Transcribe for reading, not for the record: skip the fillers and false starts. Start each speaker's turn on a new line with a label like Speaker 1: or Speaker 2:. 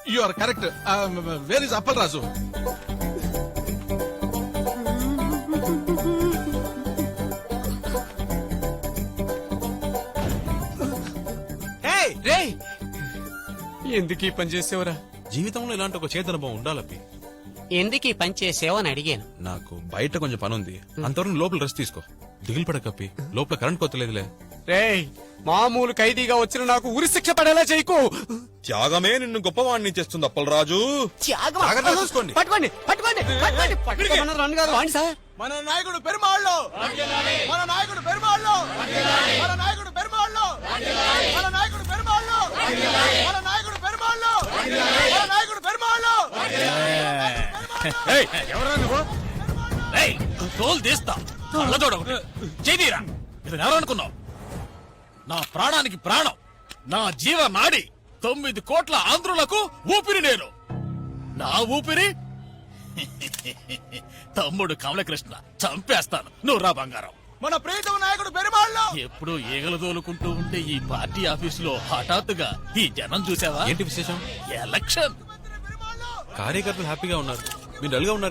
Speaker 1: You are correct. Where is Appal Raju?
Speaker 2: రే ఎందుకు ఈ పని చేసేవరా?
Speaker 3: జీవితంలో ఇలాంటి ఒక చేతనుభవం ఉండాలప్పి.
Speaker 4: ఎందుకు ఈ పని చేసావని అడిగాను.
Speaker 3: నాకు బయట కొంచెం పని ఉంది, అంతవరకు లోపల రెస్ట్ తీసుకో. దిగులు పడకప్పి, లోపల కరెంట్ కొత్తలేదులే.
Speaker 2: రే మామూలు ఖైదీగా వచ్చిన నాకు ఉరి శిక్ష పడేలా చేయకు.
Speaker 3: త్యాగమే నిన్ను గొప్పవాణ్ణి చేస్తుంది అప్పలరాజు. జాగ్రత్తగా చూసుకోండి.
Speaker 2: పట్టుకోండి పట్టుకోండి పట్టుకోండి పట్టుకోమన్నారు రండి గారు. వాండి సార్.
Speaker 1: మన నాయకుడు పెరుమాళ్ళు, మన నాయకుడు పెరుమాళ్ళు, మన నాయకుడు పెరుమాళ్ళు, మన నాయకుడు పెరుమాళ్ళు, మన నాయకుడు పెరుమాళ్ళు, మన నాయకుడు పెరుమాళ్ళు.
Speaker 5: ఎవరా నువ్వు? తోలు తీస్తా కళ్ళజోడ చేదీరా. ఇది ఎవరనుకున్నావు? నా ప్రాణానికి ప్రాణం, నా జీవ నాడి, 9 కోట్ల ఆంధ్రులకు ఊపిరి నేను. నా ఊపిరి తమ్ముడు కమలకృష్ణ. చంపేస్తాను. నువ్వు రా బంగారం.
Speaker 1: మన ప్రీతమ నాయకుడు పెరుమాళ్ళు.
Speaker 5: ఎప్పుడు ఈగలు తోలుకుంటూ ఉంటే ఈ పార్టీ ఆఫీసులో హఠాత్తుగా ఈ జనం చూసావా?
Speaker 3: ఏంటి విశేషం?
Speaker 5: ఎలక్షన్.
Speaker 3: కార్యకర్తలు హ్యాపీగా ఉన్నారు, మీరు డల్గా ఉన్నారు.